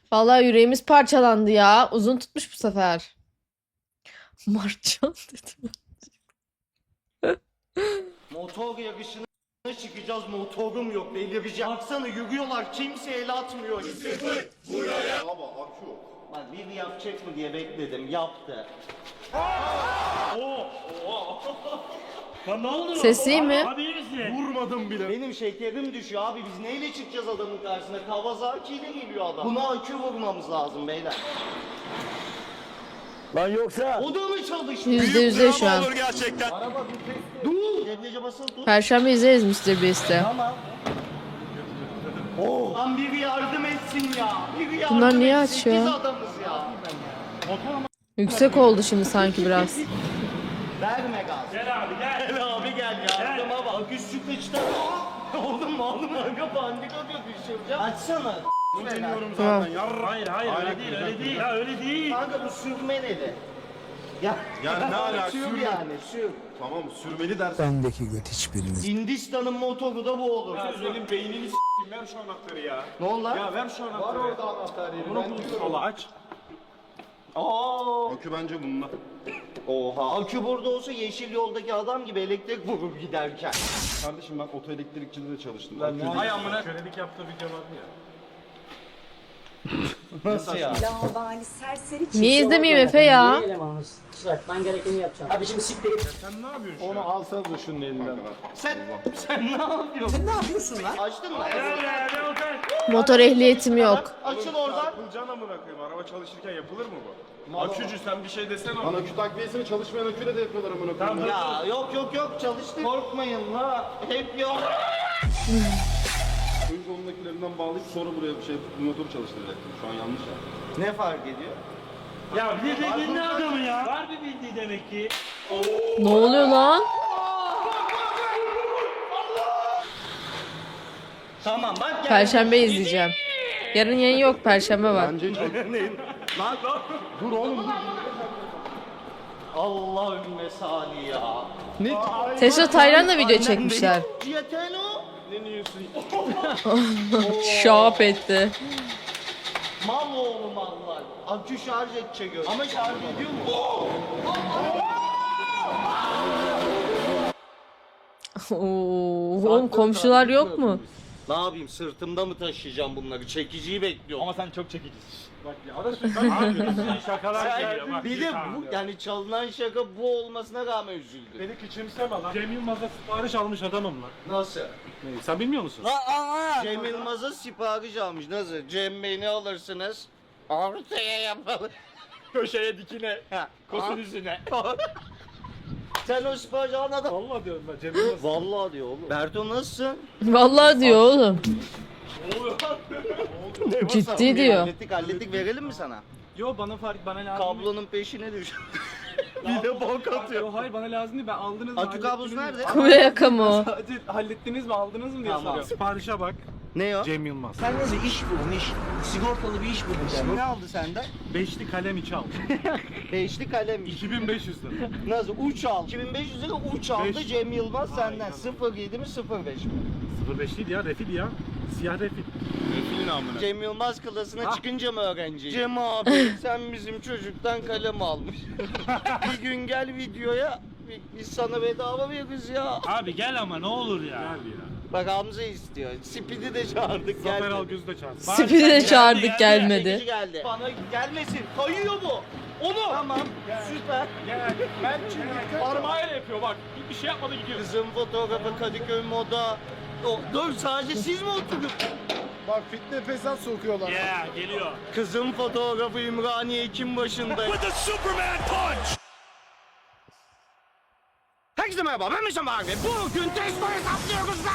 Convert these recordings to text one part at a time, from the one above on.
Vallahi yüreğimiz parçalandı ya. Uzun tutmuş bu sefer. Martcan dedim. Motor yarışına çıkacağız, motorum yok, delireceğim. Baksana yürüyorlar, kimse el atmıyor. Buraya. Ama akü yok. Bak bir yapacak mı diye bekledim, yaptı. Lan ne oldu? Ses iyi mi? Abi iyi misin? Vurmadım bile. Benim şekerim düşüyor abi, biz neyle çıkacağız adamın karşısına? Kawasaki ile geliyor adam. Buna akü vurmamız lazım beyler. Lan yoksa. O da mı çalıştı? %100 şu an. Gerçekten. Araba vites. Dur! Debriyaja basılı tut. Perşembe izleriz Mr. Beast'i. Tamam. Oh. Lan biri yardım etsin ya. Biri yardım Bunlar niye etsin. açıyor? Biz adamız ya. Yüksek oldu şimdi sanki biraz. Verme gaz. Gel abi gel. Gel abi gel yardıma bak. Üstü kıçta. Oğlum aga pandik atıyor düşüreceğim. Açsana. Tamam. Hayır öyle değil öyle değil. Ya öyle değil. Kanka bu sürme neydi? Ya, Yani ne alaka? Sür Sürme. yani sür. Tamam sürmeli dersin. Bendeki göt hiçbiriniz. Hindistan'ın motoru da bu olur. Senin beynini s**eyim, ver şu anahtarı ya. Ne oldu lan? Ya ver şu anahtarı. Var orada anahtar yeri. Bunu bul. aç. Aa. Akü bence bununla. Oha. Akü burada olsa yeşil yoldaki adam gibi elektrik vurur giderken. Kardeşim ben otoelektrikçide de çalıştım. Ay amına. Kölelik yaptığı video vardı ya. Nasıl ya? Lavabali serseri çift. Niye izlemeyeyim Efe ya? Ben gerekeni yapacağım. Abi şimdi siktir git. Sen ne yapıyorsun? Onu alsanız da şunun elinden. Sen ne yapıyorsun? Sen ne yapıyorsun lan? Açtın mı? Motor ehliyetim yok. Açıl oradan. Yapılacaksın amına koyayım. Araba çalışırken yapılır mı bu? Akücü sen bir şey desene. Lan akü takviyesini çalışmayan aküyle de yapıyorlar amına koyayım. Ya yok çalıştı. Korkmayın la. Hep yok. Önce onun akülerinden bağlayıp sonra buraya bir şey motoru çalıştıracaktım. Şu an yanlış ya. Ne fark ediyor? Ya bir de dinle adamı ya. Var bir bildiği demek ki. Ne oluyor lan? Tamam bak gel. Perşembe izleyeceğim. Yarın yayın yok. Perşembe var. Bence Lan dur oğlum dur. Allahümme salli ya. Tesla Tayran'la video çekmişler. Cieteno. Ne diyorsun? Şap etti. Mal oğlu mallar. Akü şarj edecek öyle. Ama şarj ediyor mu? Oo, oğlum komşular yok mu? Ne yapayım sırtımda mı taşıyacağım bunları? Çekiciyi bekliyorum. Ama sen çok çekicisin. Bak ya abi şakalar geliyor bak. Bir de bu yani çalınan şaka bu olmasına rağmen üzüldüm. Beni küçümseme lan. Cem Yılmaz'a sipariş almış adamım lan. Nasıl? Sen bilmiyor musun? Cem Yılmaz'a sipariş almış. Nasıl? Cem Bey ne alırsınız? Ortaya yapalım. Köşeye dikine. Ha. Kosun yüzüne. Sen o sipariş anladın. Vallahi diyorum ben Cem Yılmaz. Vallahi diyor oğlum. Berto nasılsın? Vallahi diyor oğlum. Ciddi diyor. Hallettik verelim mi sana? Yo bana lazım. Kablonun peşine düş. Bir de bok atıyor. Yo hayır bana lazım değil. Ben aldınız mı? Akü kablosu nerede? Kule yaka mı o? Sadece hallettiniz mi aldınız mı diye Tamam. soruyorum. Siparişe bak. Ne o? Cem Yılmaz. Sen nasıl iş buldun iş? Sigortalı bir iş buldun sen. Ne aldı senden? Beşli kalem içi aldım. Beşli kalem. 2500 lira. Nasıl? Uç al. 2500 lira uç aldı Beş. Cem Yılmaz senden. 07 mi 05 mi? 05 değil ya refil ya. Siyah refil. Refilin amına. Cem Yılmaz klasına çıkınca mı öğrenci? Cem abi sen bizim çocuktan kalem almış. Bir gün gel videoya biz sana bedava veririz ya. Abi gel ama ne olur ya. Gel ya. Bak Hamza istiyor. Speed'i de çağırdık Zafer geldi. Algöz'ü de çağır. Spidi de çağırdık Çekici gelmedi. geldi. Bana gelmesin. Kayıyor bu. Onu. Tamam. Süper. Ben çünkü parmağıyla yapıyor bak. Bir şey yapmadı gidiyor. Kızım fotoğrafı Kadıköy moda. Dur sadece siz mi oturup? Bak fitne fesat sokuyorlar. Yeah geliyor. Kızım fotoğrafı İmraniye Ekim başında. With the Superman punch. Herkese merhaba ben Mişam abi. Bugün testo hesaplıyoruz lan.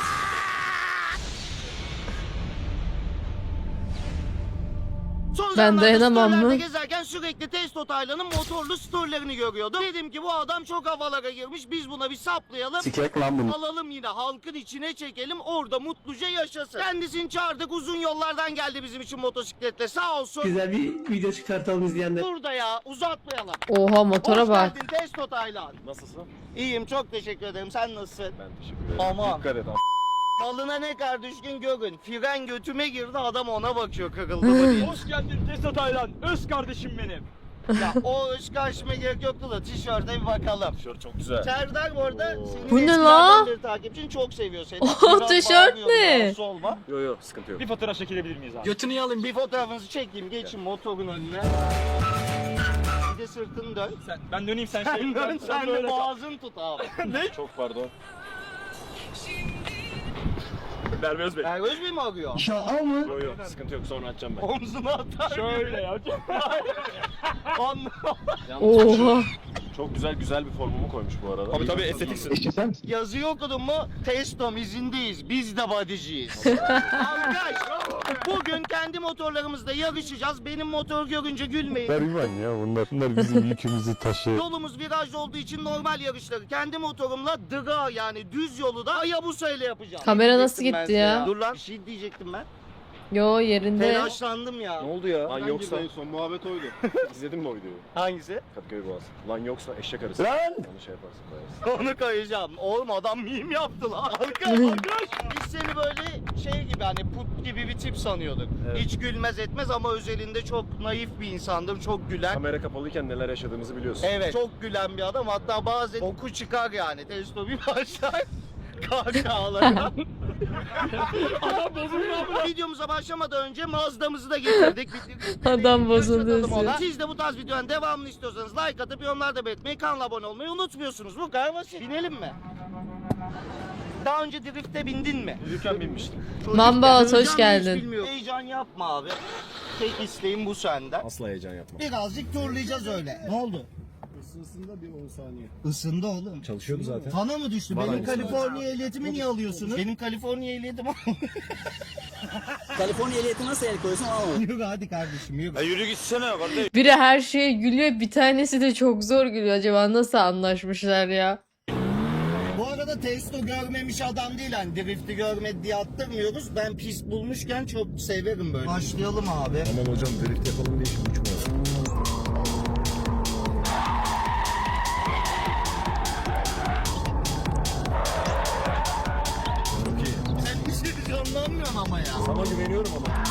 Son Ben zamanlarda dayanamam storylerde mı? gezerken sürekli Testo Taylan'ın motorlu storylerini görüyordum. Dedim ki bu adam çok havalara girmiş biz buna bir saplayalım. Sikek lan bunu. Alalım yine halkın içine çekelim orada mutluca yaşasın. Kendisini çağırdık uzun yollardan geldi bizim için motosikletle sağ olsun. Güzel bir video çıkartalım izleyenler. Burada ya uzatmayalım. Oha motora Hoş bak. geldin Testo Taylan. Nasılsın? İyiyim çok teşekkür ederim sen nasılsın? Ben teşekkür ederim. Aman. Dikkat et abi. Malına ne kadar düşkün görün. Fren götüme girdi, adam ona bakıyor kırıldı mı diye. Hoş geldin Tesla Taylan. Öz kardeşim benim. Ya o öz karşıma gerek yoktu da tişörte bir bakalım. Tişört çok güzel. Serdar bu arada senin Bu ne eskilerden la? beri takipçin çok seviyor seni. O Biraz tişört bağırıyor, ne? rahatsız olma. Yok sıkıntı yok. Bir fotoğraf çekilebilir miyiz abi? Götünü yalayım. Bir fotoğrafınızı çekeyim, geçin motorun önüne. Bir de sırtını dön. Ben döneyim sen şey. Sen dön, sen de böyle kal. boğazını tut abi. Çok pardon. Merve Özbey. Ergöz Bey mi arıyor? Yok sıkıntı yok sonra açacağım ben. Omzuna atar. Şöyle ya. Oha. Çok güzel bir formumu koymuş bu arada. Tabii estetiksin. Yazıyı okudun mu? Testom izindeyiz. Biz de bodyciyiz. Arkadaş, bugün kendi motorlarımızda yarışacağız. Benim motor görünce gülmeyin. Bergman ya bunlar bizim yükümüzü taşıyor. Yolumuz virajlı olduğu için normal yarışları kendi motorumla dıga yani düz yolu da Hayabusa ile yapacağım. Kamera nasıl Diyecektim ben gitti size ya? Dur lan bir şey diyecektim ben. Yo yerinde. Telaşlandım ya. Ne oldu ya? Lan yoksa... En son muhabbet oydu. İzledin mi o videoyu? Hangisi? Kadıköy Boğazı. Lan yoksa eşek arısı. Lan! Onu şey yaparsın koyarsın. Onu koyacağım. Oğlum adam meme yaptı lan. Arkadaş biz seni böyle şey gibi hani put gibi bir tip sanıyorduk. Evet. Hiç gülmez etmez ama özelinde çok naif bir insandır. Çok gülen. Kamera kapalıyken neler yaşadığımızı biliyorsun. Evet. Çok gülen bir adam. Hatta bazen oku çıkar yani. Testo bir başlar. Kahkahalara. Videomuza başlamadan önce Mazda'mızı da getirdik. Adam bozuldu Yaşatalım ona. diyor. Siz de bu tarz videonun devamını istiyorsanız like atıp yorumlarda belirtmeyi, kanala abone olmayı unutmuyorsunuz. Bu kadar basit. Binelim mi? Daha önce drift'e bindin mi? Yürürken binmiştim. Mamba, hoş Sığacağım geldin. hiç bilmiyorum. Heyecan yapma abi. Tek isteğim bu senden. Asla heyecan yapma. Birazcık turlayacağız öyle. Ne oldu? Isınsında bir 10 saniye. Isındı oğlum. Çalışıyordu zaten. Bana mı düştü? Bana Benim düştü. Kaliforniya ehliyetimi niye alıyorsunuz? Benim Kaliforniya ehliyetim Kaliforniya ehliyeti nasıl el koyuyorsun anlamadım. Yürü hadi kardeşim yürü. Yürü gitsene kardeş. Biri her şeye gülüyor, bir tanesi de çok zor gülüyor. Acaba nasıl anlaşmışlar ya? Bu arada Testo görmemiş adam değil hani drift'i görmedi diye attırmıyoruz. Ben pist bulmuşken çok severim böyle. Başlayalım abi. Aman hocam drift yapalım diye şimdi uçmuyor. Sen bir şey canlanmıyorsun ama ya. Sana güveniyorum ama.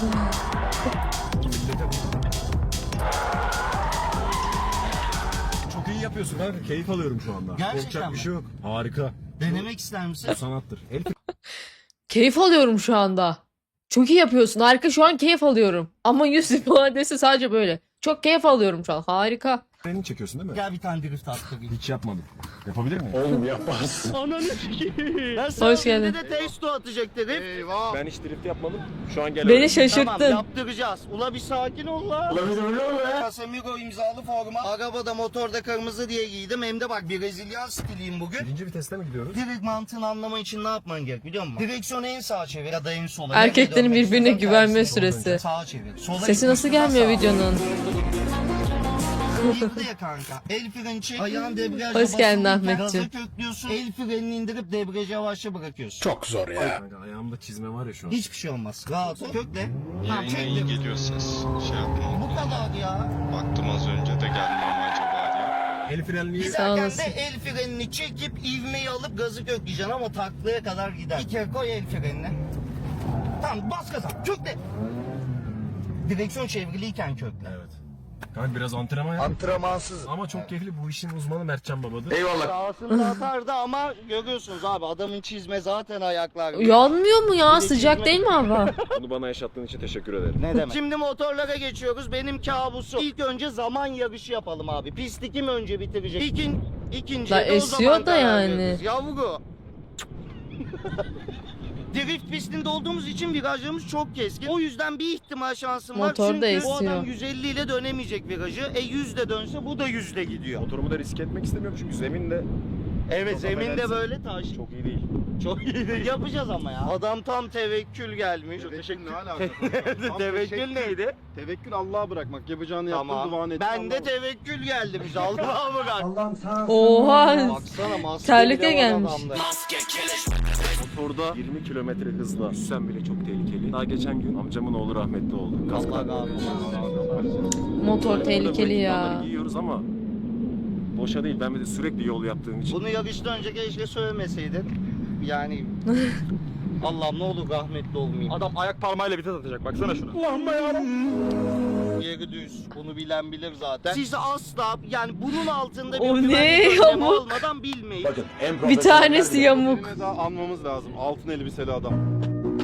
Çok iyi yapıyorsun kanka. Keyif alıyorum şu anda. Gerçekten Korkacak mi? bir şey yok. Harika. Denemek ister misin? Sanattır. El Keyif alıyorum şu anda. Çok iyi yapıyorsun. Harika, şu an keyif alıyorum. Ama yüz ifadesi sadece böyle. Çok keyif alıyorum şu an. Harika. freni çekiyorsun değil mi? Gel bir tane drift attırayım. Hiç yapmadım. Yapabilir miyim? Oğlum yaparsın. Ananı sikeyim. Hoş geldin. de Testo atacak drift. Eyvah. Ben hiç drift yapmadım. Şu an gel. Beni şaşırttın. Tamam yaptıracağız. Ula bir sakin ol la. Casemiro imzalı forma. Arabada motorda kırmızı diye giydim. Hem de bak Brezilya stiliyim bugün. Birinci viteste mi gidiyoruz? Direkt mantığını anlaman için ne yapman gerek biliyor musun? Direksiyonu en sağa çevir ya da en sola. Erkeklerin Nereye birbirine dönmek güvenme istiyorsan süresi. tersine. Sağa çevir. Sola Sesi nasıl gitmişsin, gelmiyor sağa. videonun? İlk de kanka. El freni çek. Ayağın debriyaja Hoş geldin basılı tut, Ahmetciğim. Gaza köklüyorsun. El frenini indirip debriyajı yavaşça bırakıyorsun. Çok zor ya. Kanka ayağımda çizme var ya şu an. Hiçbir şey olmaz. Rahat ol. Kökle. Tamam Yayına iyi çektim. geliyor ses. Şey yapma. Bu kadar ya. Baktım az önce de gelmem acaba diye. El frenliği. Sağ Giderken olasın. de el frenini çekip ivmeyi alıp gazı kökleyeceksin ama taklaya kadar gider. Bir kere koy el frenini. Tamam bas gaza. Kökle. Direksiyon çevriliyken kökle. Evet. Kanka biraz antrenman yap. Antrenmansız. Ama çok keyifli. Bu işin uzmanı Mertcan babadır. Sağsını atardı ama görüyorsunuz abi adamın çizme zaten ayaklar. Yanmıyor mu ya? Bir de Sıcak çizme- değil mi hava? Bunu bana yaşattığın için teşekkür ederim. Ne demek? Şimdi motorlara geçiyoruz. Benim kabusum. İlk önce zaman yarışı yapalım abi. Pisti kim önce bitirecek? İkinci La de o esiyor zaman da karar yani. veririz. Yavru. Drift pistinde olduğumuz için virajlarımız çok keskin. O yüzden bir ihtimal şansım var. Motor da Çünkü bu esiyor. adam 150 ile dönemeyecek virajı. 100 de dönse bu da 100 ile gidiyor. Motorumu da riske etmek istemiyorum çünkü zemin de Evet Çok zeminde affedersin. böyle taş. çok iyi değil. Çok iyi değil. Yapacağız ama ya. Adam tam tevekkül gelmiş. Tevekkül ne alaka? Tam Tevekkül neydi? Tevekkül Allah'a bırakmak. Yapacağını yaptın, duanı Tamam. ettin. Ben de tevekkül geldim işte. Allah'a bırak. Oha. Baksana maske Terlikle bile var gelmiş. adamda. Motorda 20 kilometre hızla yüzsen bile çok tehlikeli. Daha geçen gün amcamın oğlu rahmetli oldu. Allah Kasklar. razı olsun. Motor tehlikeli ya. Giyiyoruz ama boşa değil. Ben bir de sürekli yol yaptığım için. Bunu yarıştan önce keşke söylemeseydin. Yani Allah'ım ne olur rahmetli olmayayım. Adam ayak parmağıyla vites atacak. Baksana şuna. Yeri düz. Bunu bilen bilir zaten. Siz asla yani bunun altında bir O ne güvenlik önlemi yamuk? almadan bilmeyin. Bir tanesi yamuk. Birine daha almamız lazım. Altın elbiseli adam.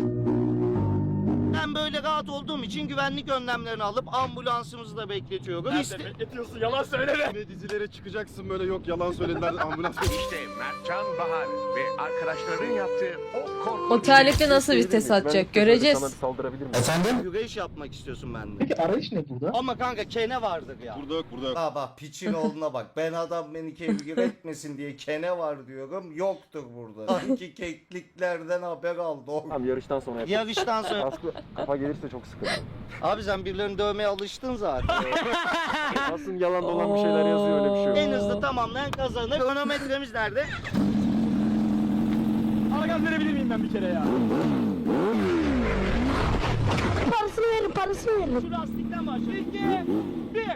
Ben böyle rahat olduğum için güvenlik önlemlerini alıp ambulansımızı da bekletiyorum. Bekletiyorsun yalan söyleme. Ve dizilere çıkacaksın böyle yok yalan söylediler ambulans. İşte Mertcan Bahar ve arkadaşlarının yaptığı o korkunç... O terlikle nasıl vites atacak göreceğiz. Saldırabilir miyim? Güreş yapmak istiyorsun benden. Peki arayış ne burada? Ama kanka kene vardır ya. Burada yok burada yok. Ha bak piçin oğluna bak. Ben adam beni kevgir etmesin diye kene var diyorum. Yoktur burada. Sanki kekliklerden haber aldı. Tamam yarıştan sonra yap. Yarıştan sonra. Kafa gelirse çok sıkıntı. Abi sen birilerini dövmeye alıştın zaten. Aslında yalan dolan bir şeyler yazıyor öyle bir şey yok. En hızlı tamamlayan kazanır. Kronometremiz nerede? Ara gaz verebilir miyim ben bir kere ya? Şu lastikten başla. 2, 1.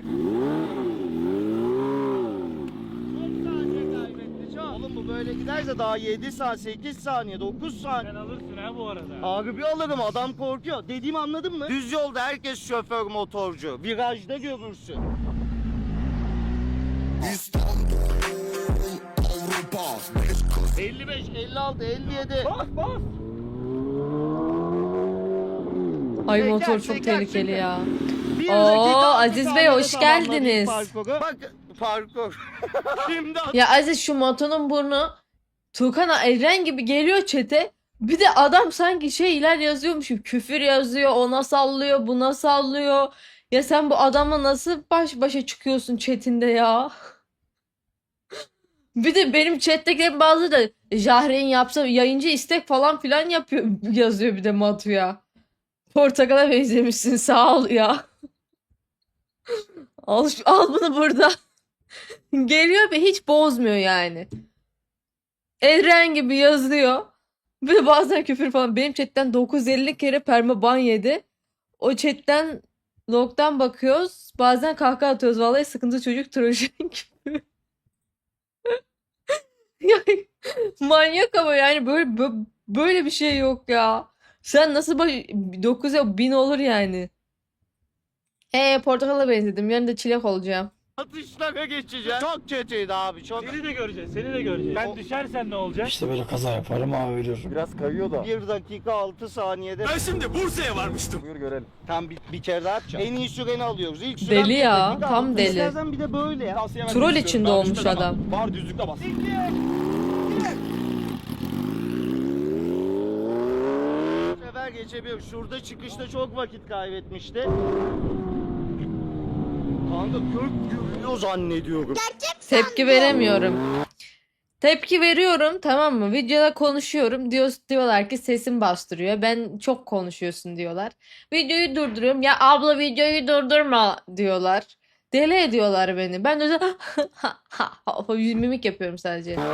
Çok saniye kaybetti. Çok. Oğlum bu böyle giderse daha 7 saat, 8 saniye, 9 saniye. Sen alırsın ha bu arada. Abi bir alırım adam korkuyor. Dediğimi anladın mı? Düz yolda herkes şoför motorcu. Virajda görürsün. 55, 56, 57. Ay Teker, motor çok teker, tehlikeli teker. ya. Bir Oo, dakika, altı Aziz Bey, saniyede hoş tamamladık geldiniz. parkuru. Bak parkur. Şimdi Ya Aziz şu motonun burnu Tuğkan Eren gibi geliyor çete. Bir de adam sanki şeyler yazıyormuş gibi küfür yazıyor, ona sallıyor, buna sallıyor. Ya sen bu adamla nasıl baş başa çıkıyorsun chatinde ya? Bir de benim chat'tekilerin bazıları da Jahre'in yapsa yayıncı istek falan filan yapıyor yazıyor bir de Matu'ya. Portakala benzemişsin sağ ol ya. Al bunu burada. Geliyor ve hiç bozmuyor yani. Eren gibi yazıyor. Bir de bazen küfür falan. Benim chatten 950 kere permaban yedi. O chatten log'dan bakıyoruz. Bazen kahkaha atıyoruz. Vallahi sıkıntı çocuk trojan gibi. Yani manyak ama yani böyle bir şey yok ya. Sen nasıl 9'a 1000 olur yani. Portakala benzedim. Yarın da çilek olacağım. atışlara geçeceğim. Çok kötüydü abi çok. Seni de göreceğiz, seni de göreceğiz. Ben düşersen ne olacak? İşte böyle kaza yaparım abi ölüyorum. Biraz kayıyor da. 1 dakika 6 saniyede. Ben şimdi Bursa'ya varmıştım. Buyur görelim. Tam bir kere daha yapacağım. En iyi süreni alıyoruz. İlk süren Deli 1 ya, dakika tam 6. deli. İstersen bir de böyle ya. Tavsiye vermek Troll istiyorum. içinde Daha olmuş düşmeden adam. bak. Var düzlükte bas. Bu sefer geçebiliyorum. Şurada çıkışta çok vakit kaybetmişti. Kanka kök gürlüyor zannediyorum. Tepki veremiyorum. Tepki veriyorum, tamam mı? Videoda konuşuyorum. Diyorlar ki sesim bastırıyor. Ben çok konuşuyorsun diyorlar. Videoyu durduruyorum. Ya abla videoyu durdurma diyorlar. Deli ediyorlar beni. Ben de mimik yapıyorum sadece. 1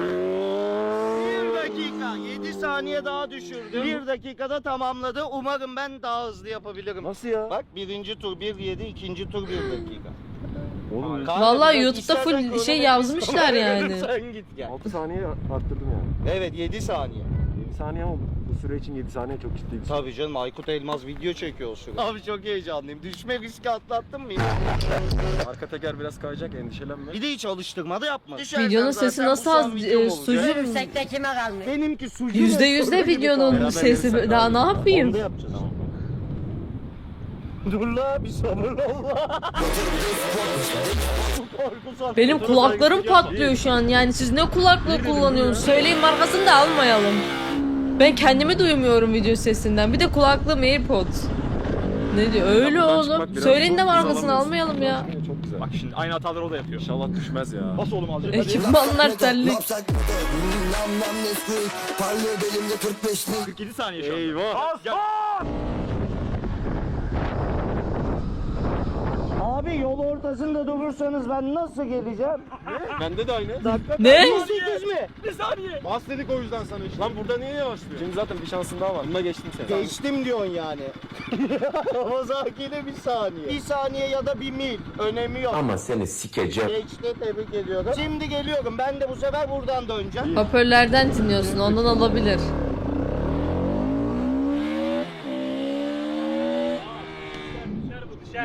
dakika 7 saniye daha düşürdüm. 1 dakikada tamamladı. Umarım ben daha hızlı yapabilirim. Nasıl ya? Bak birinci tur 1.7, ikinci tur 1 dakika. Oğlum Kanka, Vallahi biraz YouTube'da full istersen şey kronometre yazmışlar sonra yani. Sen git gel. 6 saniye arttırdım yani. Evet 7 saniye. 7 saniye oldu. Bu süre için 7 saniye çok ciddi bir süre. Tabii canım Aykut Elmaz video çekiyor o sırada. Abi çok heyecanlıyım. Düşme riski atlattın mı? Arka teker biraz kayacak endişelenme. Bir de hiç alıştırma da yapma. Düşersen Videonun zaten sesi bu nasıl son az videom olacak. sucu Benimki sucu. %100 de videonun sesi daha ne yapayım? Onu da yapacağız. Dur la bir sabır ol la. Benim kulaklarım patlıyor şu an. Yani siz ne kulaklığı kullanıyorsunuz? Söyleyin markasını da almayalım. Ben kendimi duymuyorum video sesinden. Bir de kulaklığım AirPods. Ne diyor? Öyle oğlum. Söyleyin de markasını almayalım ya. Çok güzel. Bak şimdi aynı hataları o da yapıyor. İnşallah düşmez ya. Bas oğlum alacak. Hadi. Ekipmanlar terlik. 47 saniye şu an. Eyvah. Bas bas. Abi yol ortasında durursanız ben nasıl geleceğim? Bende de aynı. Ne? 18 mi? Bir saniye. Bas dedik o yüzden sana işte. Lan burada niye yavaşlıyor? Şimdi zaten bir şansın daha var. Bunda geçtim seni. Geçtim diyorsun yani. Kawasaki bir saniye. 1 saniye ya da 1 mil. Önemi yok. Ama seni sikeceğim. Geçti tebrik ediyorum. Şimdi geliyorum. Ben de bu sefer buradan döneceğim. Hoparlörlerden dinliyorsun. Ondan olabilir.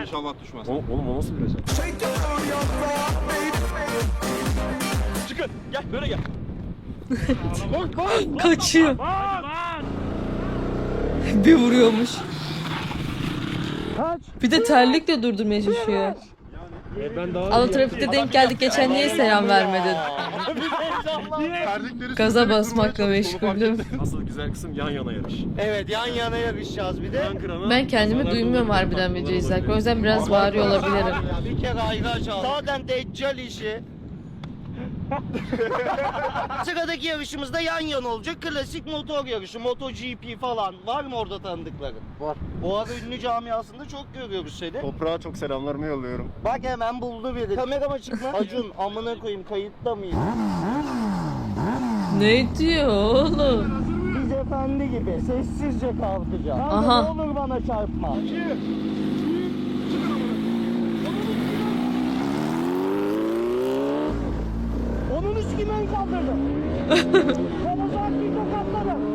İnşallah düşmez. Oğlum o nasıl viraj? Çıkın. Gel böyle gel. Kaçıyor. Bas! Bir vuruyormuş. Bir de terlikle durdurmaya çalışıyor. Ben daha Ana trafikte denk geldik geçen niye selam vermedin? Terlikleri Gaza sürterek basmakla durmaya çalıştım, onu fark meşguldüm. ettim. Asıl güzel kısım yan yana yarış. Evet, yan yana yarışacağız bir de. Ben kendimi duymuyorum harbiden video izlerken. O yüzden biraz bağırıyor olabilirim. Ya bir kere ayraç al. Zaten deccal işi. Sıradaki yarışımızda yan yana olacak. Klasik motor yarışı, MotoGP falan. Var mı orada tanıdıkların? Var. Bu ara ünlü camiasında çok görüyoruz seni. Toprağa çok selamlarımı yolluyorum. Bak hemen buldu biri. Kamerama çıkma. Acun amına koyayım kayıtta mıyız? Ne diyor oğlum? Biz efendi gibi sessizce kalkacağız. Kanka Aha. ne olur bana çarpma. Onun üstü ben kaldırdım. Ben o zaman bir tokatladım.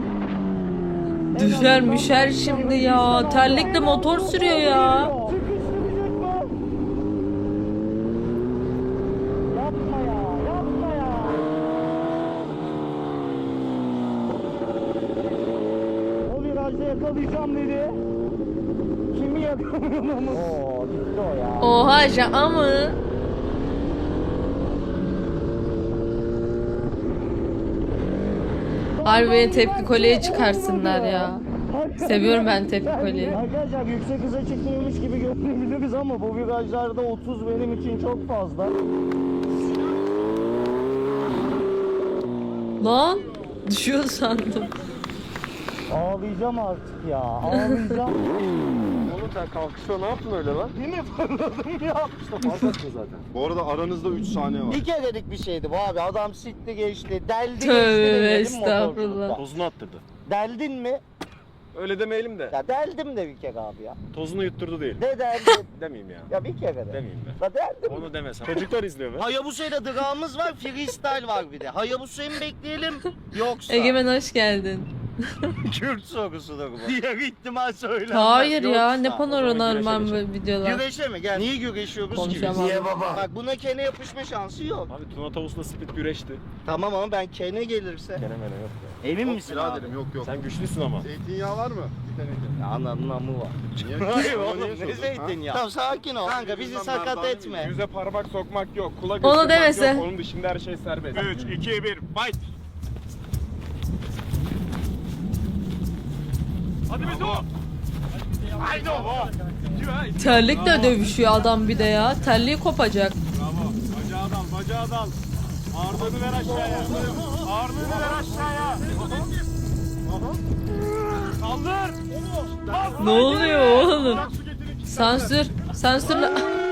Düşer müşer şimdi ya. Terlikle motor sürüyor ya. Sıkıştıracak mı? Yapma ya, yapma ya. O virajda yakalayacağım dedi. Kimi yakalıyorum ama? Oo, gitti o ya. Oha şaka mı? Harbi beni tepki kolyeye çıkarsınlar ya. Seviyorum ben tepki kolyeyi. Arkadaşlar yüksek hıza çıkmıyormuş gibi görünebiliriz ama bu virajlarda 30 benim için çok fazla. Lan düşüyor sandım. Ağlayacağım artık ya, ağlayacağım. Oğlum sen kalkışta ne yaptın öyle lan? Değil mi fırladım ya? İşte fark etme zaten. Bu arada aranızda 3 saniye var. Bir kerelik bir şeydi bu abi. Adam sikti geçti, deldi geçti Tövbe demedim estağfurullah. motorculukta. Tozunu attırdı. Deldin mi? Öyle demeyelim de. Ya deldim de bir kere abi ya. Tozunu yutturdu değil. Ne deldin? Demeyeyim ya. Ya bir kere de. Demeyeyim de. La deldim. Onu demesem. Çocuklar izliyor be. Hayabusa'yla drağımız var, freestyle var bir de. Hayabusa'yı mı bekleyelim yoksa? Egemen hoş geldin. Kürt sorusudur bu. Diğer ihtimal söylenmez. Hayır ya Yoksa. ne panoraman böyle videolar. Güreşe mi? Gel. Niye güreşiyoruz ki biz? Konuşamam. Niye baba? Bak buna kene yapışma şansı yok. Abi Tuna Tavus'la Split güreşti. Tamam ama ben kene gelirse. Gene mene yok ya. Emin Yok misin abi? biraderim, yok yok. Sen güçlüsün ama. Zeytinyağı var mı? Bir teneke. Ya ananın amı var. Niye? Hayır Ama oğlum niye ne sordun, zeytinyağı? Tamam sakin ol. Kanka bizi Yüzünden sakat merdane etme. Yüze parmak sokmak yok. Kula Onu göstermek demese. yok. Onun dışında her şey serbest. 3, 2, 1, fight! Hadi Beto. Haydi o. Terlikle dövüşüyor adam bir de ya. Terliği kopacak. Bravo. Bacağı dal, bacağı dal. Ağırlığını ver aşağıya. Ağırlığını ver aşağıya. Kaldır. Ne oluyor oğlum? Sansür. Sansürle.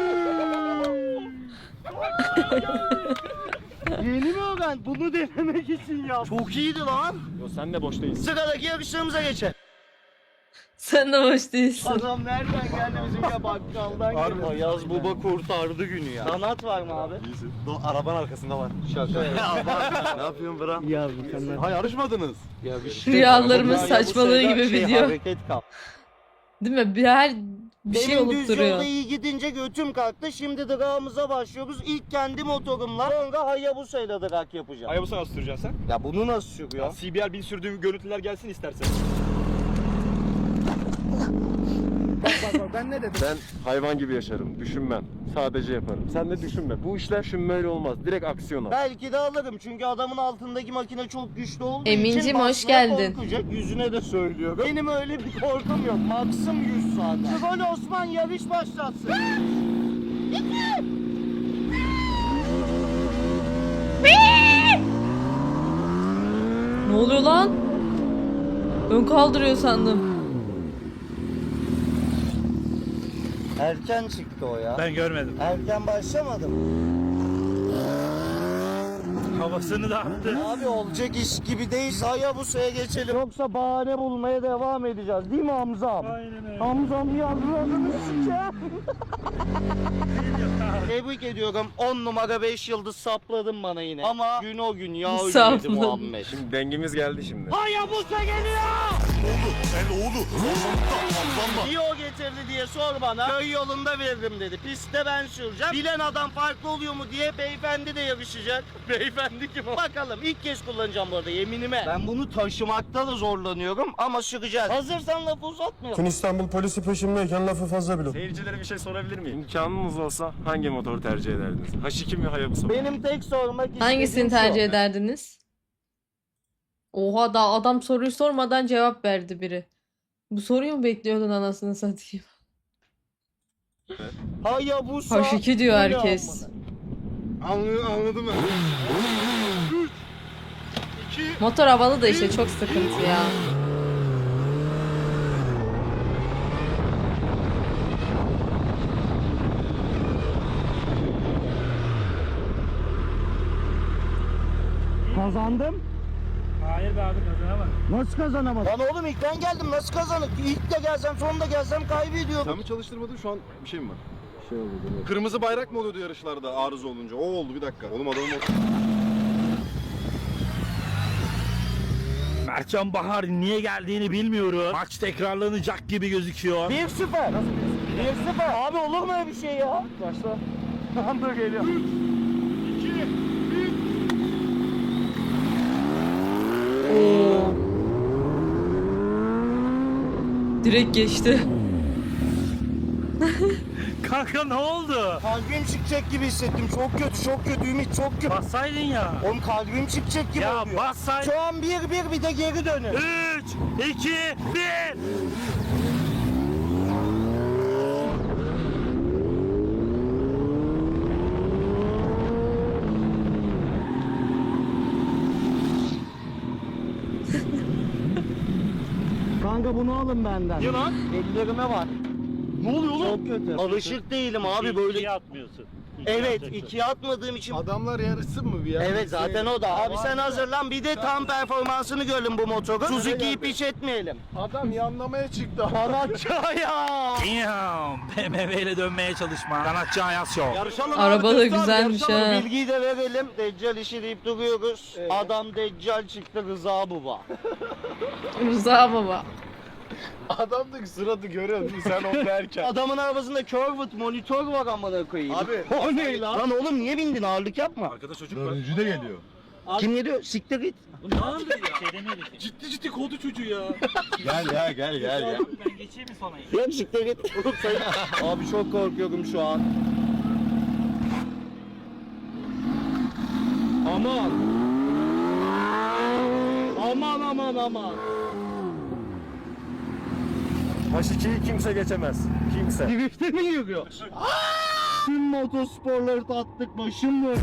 Yeni mi öğren? Bunu denemek için ya. Çok iyiydi lan. Yo sen de boş değilsin. Sıradaki yarışlarımıza geçelim. Sen de hoş değilsin. Adam nereden geldi bizim ya bakkaldan geldi. Ayaz Baba kurtardı günü ya. Sanat var mı abi? İyisin. Arabanın arkasında var. Şaka ya. Ne yapıyorsun Bra? Ya mükemmel. Ha yarışmadınız. Ya Rüyalarımız Ya bu saçmalığı şeyler gibi video. Hareket kal. Değil mi? Bir şey Benim olup düz duruyor. yolda iyi gidince götüm kalktı. Şimdi drağımıza başlıyoruz. İlk kendi motorumla. Sonra Hayabusa'yla drag yapacağım. Hayabusa nasıl süreceksin sen? Ya bunu nasıl sürüyor? CBR 1000 sürdüğüm görüntüler gelsin istersen. Bak ben ne dedim? Ben hayvan gibi yaşarım. Düşünmem. Sadece yaparım. Sen de düşünme. Bu işler düşünmeyle olmaz. Direkt aksiyon al. Belki de alırım çünkü adamın altındaki makine çok güçlü olduğu Emincim, için hoş basmaya geldin. korkacak. Yüzüne de söylüyorum. Benim öyle bir korkum yok. Maksim 100 zaten. Troll Osman yarış başlatsın. Ne oluyor lan? Ön kaldırıyor sandım. Erken çıktı o ya. Ben görmedim. Erken başlamadım. Havasını da attı. Abi olacak iş gibi değil. Hayabusa'ya geçelim. Yoksa bahane bulmaya devam edeceğiz. Değil mi Hamzam? Aynen öyle. Hamzam yavrularını sikeceğim. Tebrik ediyorum. 10 numara 5 yıldız sapladın bana yine. Ama gün o gün ya ölmedi Sapladım. Muhammed. Şimdi dengimiz geldi şimdi. Hayabusa geliyor! El oğlu. Dio getirdi diye sor bana. Köy yolunda veririm dedi. Pistte ben süreceğim. Bilen adam farklı oluyor mu diye beyefendi de yarışacak. Beyefendi kim o? Bakalım ilk kez kullanacağım bu arada yeminime. Ben bunu taşımakta da zorlanıyorum ama süreceğiz. Hazırsan lafı uzatmayalım. İstanbul polisi peşimdeyken lafı fazla bilin. Seyircilere bir şey sorabilir miyim? İmkanınız olsa hangi motoru tercih ederdiniz? H2 mi Hayabusa mı? Benim tek sormak istediğim Hangisini şu. tercih ederdiniz? Oha, daha adam soruyu sormadan cevap verdi biri. Bu soruyu mu bekliyordun anasını satayım? Hayabusa. H2 diyor bu ne herkes. amına? Anladım ben. Motor havalı da işte çok sıkıntı ya. Kazandım. Hayır be abi kazanamadım. Nasıl kazanamadım? Lan oğlum ilk ben geldim nasıl kazanıp? İlk de gelsem sonunda gelsem kaybediyordum. Sen mi çalıştırmadın şu an bir şey mi var? Şey oldu. Kırmızı bayrak mı oluyordu yarışlarda arıza olunca? O oldu bir dakika. Oğlum adamın Mertcan Bahar niye geldiğini bilmiyorum. Maç tekrarlanacak gibi gözüküyor. 1-0. 1-0. Abi olur mu öyle bir şey ya? Başla. Tam da geliyor. 3, 2, 1. Direkt geçti. Kanka ne oldu? Kalbim çıkacak gibi hissettim. Çok kötü, çok kötü Ümit, çok kötü. Bassaydın ya. Oğlum kalbim çıkacak gibi Ya oluyor. bassaydın. Şu an 1-1 bir de geri dönün. 3, 2, 1. Kanka bunu alın benden. Niye lan? Ellerime var. Ne oluyor oğlum? Çok kötü. Alışık değilim abi böyle. İkiye atmıyorsun. Evet, ikiye atmadığım için. Adamlar yarışsın mı bir ya? Evet zaten o da. Abi sen hazırlan bir de tam performansını görelim bu motoru. Suzuki'yi piç etmeyelim. Adam yanlamaya çıktı. Sanatçı ya. Damn. BMW ile dönmeye çalışma. Sanatçı Ayas Show. Yarışalım Araba abi, da kızlar, güzelmiş yarışalım. ha. Bilgiyi de verelim. Deccal işi deyip duruyoruz. Adam Deccal çıktı Rıza Baba. Rıza baba. Adamdaki suratı görüyor musun sen o derken? Adamın arabasında curved monitör var amına koyayım. Abi. O ne lan? Lan oğlum niye bindin ağırlık yapma. Arkada çocuk var. Dördüncü de geliyor. Kim geliyor? Siktir git. Bu ne oldu ya? Şey demedik. Ciddi kovdu çocuğu ya. Gel ya. Ben geçeyim mi sonra? Yok siktir git. Oğlum sen... Abi çok korkuyorum şu an. Aman. Aman. H2'yi kimse geçemez. Kimse. Drift'e mi yürüyor? Tüm motosporları tattık başım mı?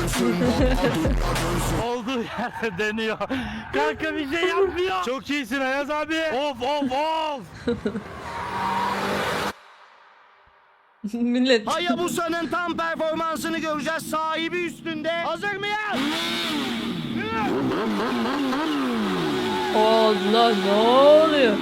Olduğu yerde dönüyor. Kanka bir şey yapmıyor. Çok iyisin Ayaz abi. Of. Millet. Hayabusa'nın tam performansını göreceğiz. Sahibi üstünde. Hazır mıyız? Allah, ne oluyor?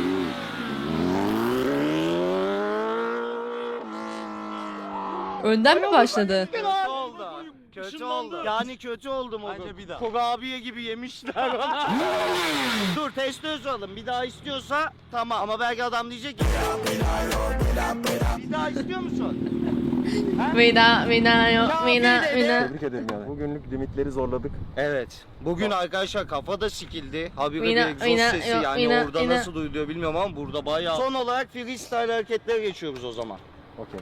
Önden mi başladı? Kötü oldu. Yani kötü oldu mu? Bence bir daha. Kurabiye gibi yemişler ona. Dur test alın. Bir daha istiyorsa tamam. Ama belki adam diyecek ki. Bir daha istiyor musun? Veda yok. Tebrik ederim yani. Bugünlük limitleri zorladık. Evet. Bugün arkadaşlar kafa da sikildi. Habire Vina, bir egzoz vina, sesi yok, yani vina, orada vina. nasıl duyuluyor bilmiyorum ama burada bayağı. Son olarak freestyle hareketlere geçiyoruz o zaman. Okey.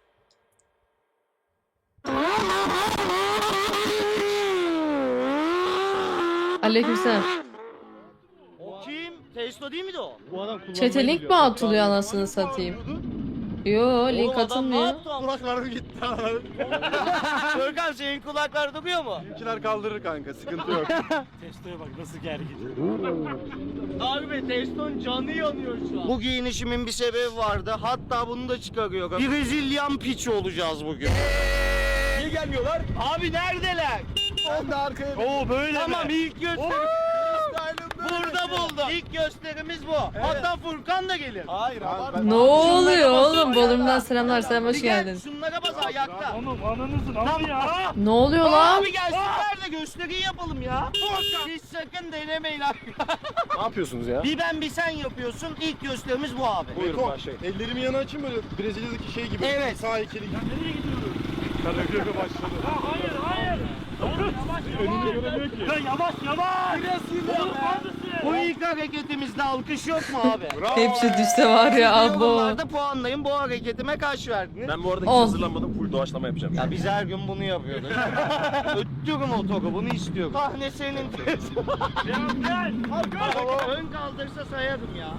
Aleykümselam. O kim? Testo değil miydi o? Bu adam Chat'e link mi atılıyor anasını satayım? Yo, link Oğlum adam ne atılmıyor. yaptı? Kulaklarım gitti. Görkan senin kulaklar duruyor mu? Bizimkiler kaldırır kanka sıkıntı yok. Testoya bak nasıl gergin. Harbi Teston canı yanıyor şu an. Bu giyinişimin bir sebebi vardı. Hatta bunu da çıkarıyorum. Brezilyan piçi olacağız bugün. Niye gelmiyorlar? Abi neredeler? Ben de arkaya Oo böyle Tamam mi? ilk göster. Burada buldum. İlk gösterimiz bu. Hatta Furkan da gelir. Hayır abi. Ne oluyor oğlum? Bodrum'dan selamlar, selam, hoş Bir gel, geldin. şunlara bas ayakta. Oğlum ananızın amı ya. Ne oluyor lan? Abi gelsinler de gösteriyi yapalım ya. Hiç sakın denemeyin abi. Ne yapıyorsunuz ya? Bir ben bir sen yapıyorsun. İlk gösterimiz bu abi. Buyurun başlayın. Ellerimi yana açayım böyle Brezilya'daki şey gibi. Evet. Sağ heykeli gibi. Nereye gidiyoruz? Karagöre başladı. Ya hayır hayır. Oğlum yavaş Önünü yavaş. göremiyor ki. Ya yavaş yavaş. Oğlum neredesin? Bu ilk hareketimizde alkış yok mu abi? Bravo. Hepsi düşse var ya abo. Yorumlarda puanlayın, bu hareketime kaç verdiniz? Ben bu arada hiç 10. hazırlanmadım. Full doğaçlama yapacağım. Ya biz her gün bunu yapıyoruz. Öttürüm otoru, bunu istiyorum. Sahne senin. Gel. Ön kaldırsa sayarım ya.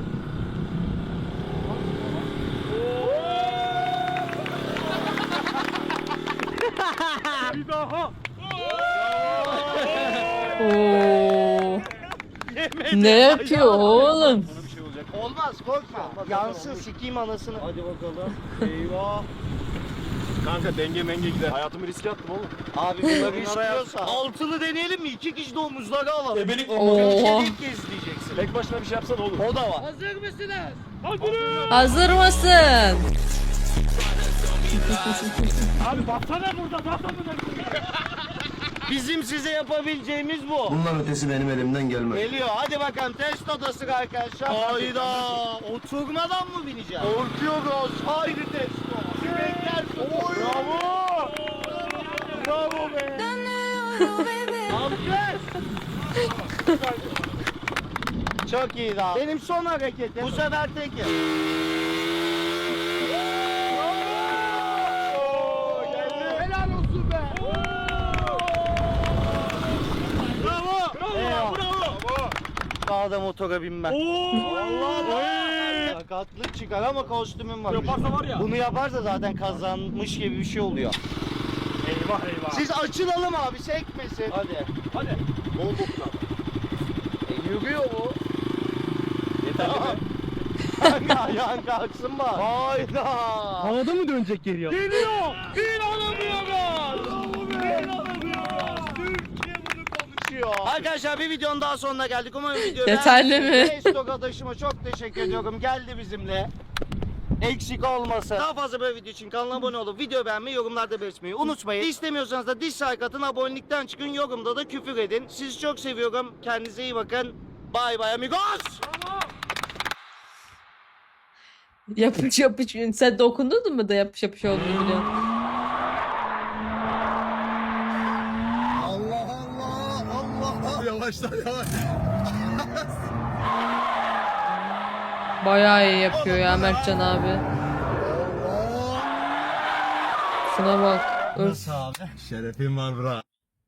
Bir daha. Oo. Ne yapıyor oğlum? Bir şey olacak. Olmaz, korkma. Yansın, sikeyim anasını. Hadi bakalım. Eyvah. Kanka denge menge gider. Hayatımı riske attım oğlum. Abi bunları istiyorsa. Altılı deneyelim mi? 2 kişi de omuzları alalım. Ebelik Oo. İlk kez diyeceksin. Tek başına bir şey yapsan olur. O da var. Hazır mısınız? Hazır mısın? Abi baksana burada baksana. Bizim size yapabileceğimiz bu. Bundan ötesi benim elimden gelmez. Geliyor. Hadi bakalım test odası arkadaşlar. Hayda. Oturmadan mı bineceğiz? Korkuyoruz. Haydi testo. Kürekler. Bravo. Bravo be. Alkış. Çok iyi daha. Benim son hareketim. Bu sefer tekim. Helal olsun be. Bravo. Eyvah. Bravo. Daha da motora binmem. Allah. Sakatlık çıkar ama kostümüm var. Yaparsa var ya. Bunu yaparsa zaten kazanmış gibi bir şey oluyor. Eyvah eyvah. Siz açılalım abi, sekmesin. Hadi. Hadi. Bol bokuna. Yürüyor bu. Yeterli mi? Kanka ayağın kalksın bak. Hayda. Havada mı dönecek geriye? Geliyor. İnanamıyoruz. İnanamıyoruz. Türkiye bunu konuşuyor. Arkadaşlar bir videonun daha sonuna geldik. Umarım video Yeterli mi? Estok adaşıma çok teşekkür ediyorum. Geldi bizimle. Eksik olmasın. Daha fazla böyle video için kanala abone olup video beğenmeyi, yorumlarda belirtmeyi unutmayın. İstemiyorsanız da dislike atın, abonelikten çıkın, yorumda da küfür edin. Sizi çok seviyorum. Kendinize iyi bakın. Bye bye amigos. Yapış yapış. Sen dokundun mu da yapış yapış olduğunu biliyorsun. Yavaşlar yavaş. Bayağı iyi yapıyor ya Mertcan abi. Şuna bak. Öf. Şerefim var bra.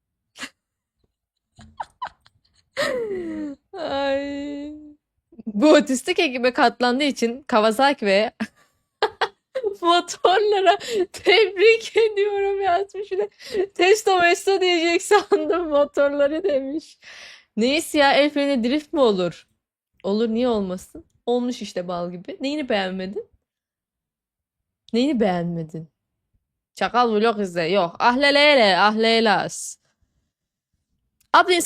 Ay. Bu otistik ekibe katlandığı için Kawasaki ve motorlara tebrik ediyorum yazmış. Bir de testo mesto diyecek sandım, motorları demiş. Neyse ya, el freni drift mi olur? Olur, niye olmasın? Olmuş işte bal gibi. Neyini beğenmedin? Neyini beğenmedin? Çakal vlog izle. Yok. Ahlelele, ahlelas. Abla